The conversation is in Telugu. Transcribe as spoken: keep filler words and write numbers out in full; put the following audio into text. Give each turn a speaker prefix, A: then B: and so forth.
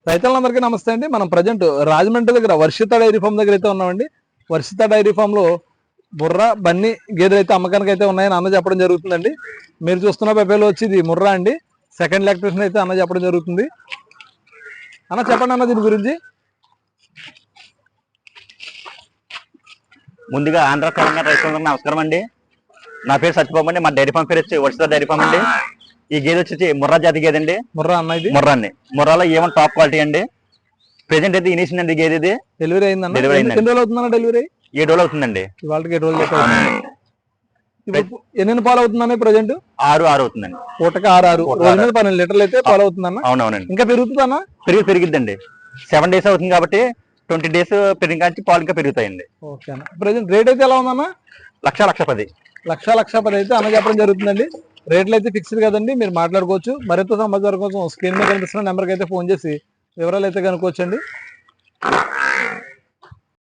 A: రైతులందరికీ నమస్తే అండి. మనం ప్రజెంట్ రాజమండ్రి దగ్గర వర్షిత డైరీ ఫామ్ దగ్గర అయితే ఉన్నామండి. వర్షిత డైరీ ఫామ్ లో ముర్రా బన్నీ గేదెలు అయితే అమ్మకానికి అయితే ఉన్నాయని అన్న చెప్పడం జరుగుతుందండి. మీరు చూస్తున్న పెపేలో వచ్చి ఇది ముర్రా అండి. సెకండ్ లాక్టేషన్ అయితే అన్న చెప్పడం జరుగుతుంది. అన్న చెప్పండి అన్న దీని గురించి.
B: ముందుగా ఆంధ్ర తెలంగాణ రైతులందరికీ నమస్కారం అండి. నా పేరు సత్యబాబు అండి. మా డైరీ ఫామ్ పేరు వచ్చి వర్షిత డైరీ ఫామ్ అండి. ఈ గేదె వచ్చి ముర్రా జాతి గేదె అండి.
A: ముర్రా అన్న ఇది
B: ముర్రా అండి. ముర్రాలో ఏమన్నా టాప్ క్వాలిటీ అండి. ప్రెసెంట్ అయితే ఇనిషన్ అండి గేదె ఇది.
A: డెలివరీ అయిందన్న.
B: డెలివరీ
A: ఎన్ని రోజులు అవుతుందన్న డెలివరీ?
B: ఏడు రోజులు అవుతుందండి.
A: వాళ్ళకి ఏడు రోజులు ఇప్పుడు ఎన్ని పాలు అవుతుందన్న ప్రజెంట్?
B: ఆరు ఆరు అవుతుందండి.
A: పూటకి ఆరు ఆరు రోజు మీద పన్నెండు లీటర్లు అయితే పాలు అవుతుందన్న.
B: అవునవునండి.
A: ఇంకా పెరుగుతుందన్న?
B: పెరిగి పెరిగిద్దండి. సెవెన్ డేస్ అవుతుంది కాబట్టి ట్వంటీ డేస్ పెరిగి పాలు ఇంకా పెరుగుతాయండి.
A: ఓకే అన్న. ప్రజెంట్ రేట్ అయితే ఎలా ఉందన్న?
B: లక్ష లక్ష పది
A: లక్ష లక్ష పది అయితే అన్న చెప్పడం జరుగుతుందండి. రేట్లు అయితే ఫిక్స్డ్ కదండి, మీరు మాట్లాడుకోవచ్చు. మరింత సమాచారం కోసం స్క్రీన్ మీద కనిపిస్తున్న నెంబర్కి అయితే ఫోన్ చేసి వివరాలు అయితే కనుక్కోవచ్చండి.